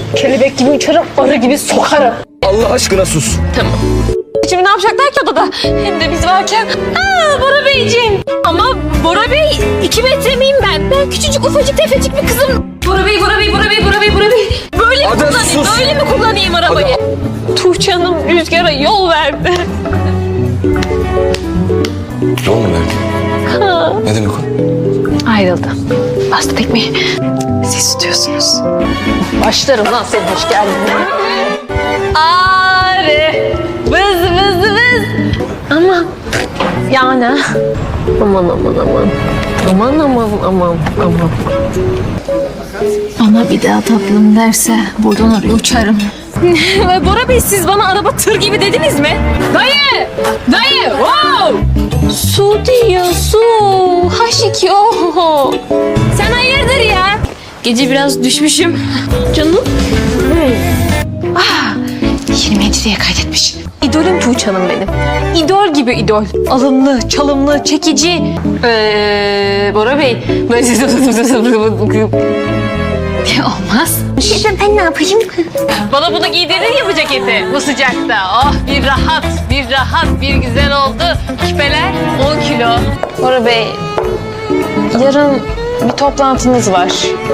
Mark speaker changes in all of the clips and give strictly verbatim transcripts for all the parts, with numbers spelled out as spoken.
Speaker 1: Kelebek gibi uçarım, arı gibi sokarım.
Speaker 2: Allah aşkına sus.
Speaker 1: Tamam. Şimdi ne yapacaklar ki odada? Hem de biz varken. Aa Bora Beyciğim. Ama Bora Bey iki metre miyim ben? Ben küçücük ufacık tefecik bir kızım. Bora Bey, Bora Bey, Bora Bey, Bora Bey, Bora Bey. Böyle mi
Speaker 2: Ada,
Speaker 1: kullanayım?
Speaker 2: sus.
Speaker 1: Böyle mi kullanayım arabayı?
Speaker 2: Ada.
Speaker 1: Tuğçe Hanım Rüzgar'a yol verdi.
Speaker 2: Yol mu verdi?
Speaker 1: Ha.
Speaker 2: Ne demek o?
Speaker 1: Ayrıldı. Bastı tekmeyi. Siz tutuyorsunuz. Başlarım lan senin hoş geldin. Arı. Vız vız vız. Aman. Yani. Aman aman aman. Aman aman aman aman.
Speaker 3: Bana bir daha tatlım derse buradan oraya uçarım.
Speaker 1: Bora Bey siz bana araba tır gibi dediniz mi? Dayı! Dayı! Wow! Su diyor su. H iki O. Sen hayırdır ya? Gece biraz düşmüşüm. Canım. Ah, yirmi yediye kaydetmiş. İdolüm Tuğçe Hanım benim. İdol gibi idol. Alımlı, çalımlı, çekici. Ee, Bora Bey.
Speaker 3: Olmaz.
Speaker 1: Ben ne yapayım? Bana bunu giydirir ya bu ceketi bu sıcakta. Oh bir rahat, bir rahat, bir güzel oldu. Küpeler on kilo. Bora Bey, yarın bir toplantınız var.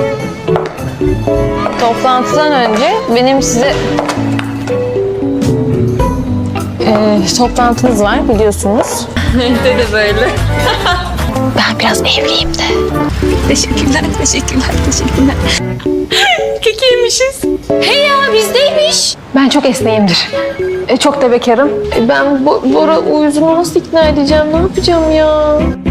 Speaker 1: Toplantıdan önce benim size... Ee, toplantınız var biliyorsunuz. Evde de böyle.
Speaker 3: Ben biraz evliyim de.
Speaker 1: Teşekkürler, teşekkürler, teşekkürler. Kekiymişiz. Hey ya bizdeymiş. Ben çok esneğimdir. E, çok da bekarım. E, ben Bo- Bora uyuzunu nasıl ikna edeceğim? Ne yapacağım ya?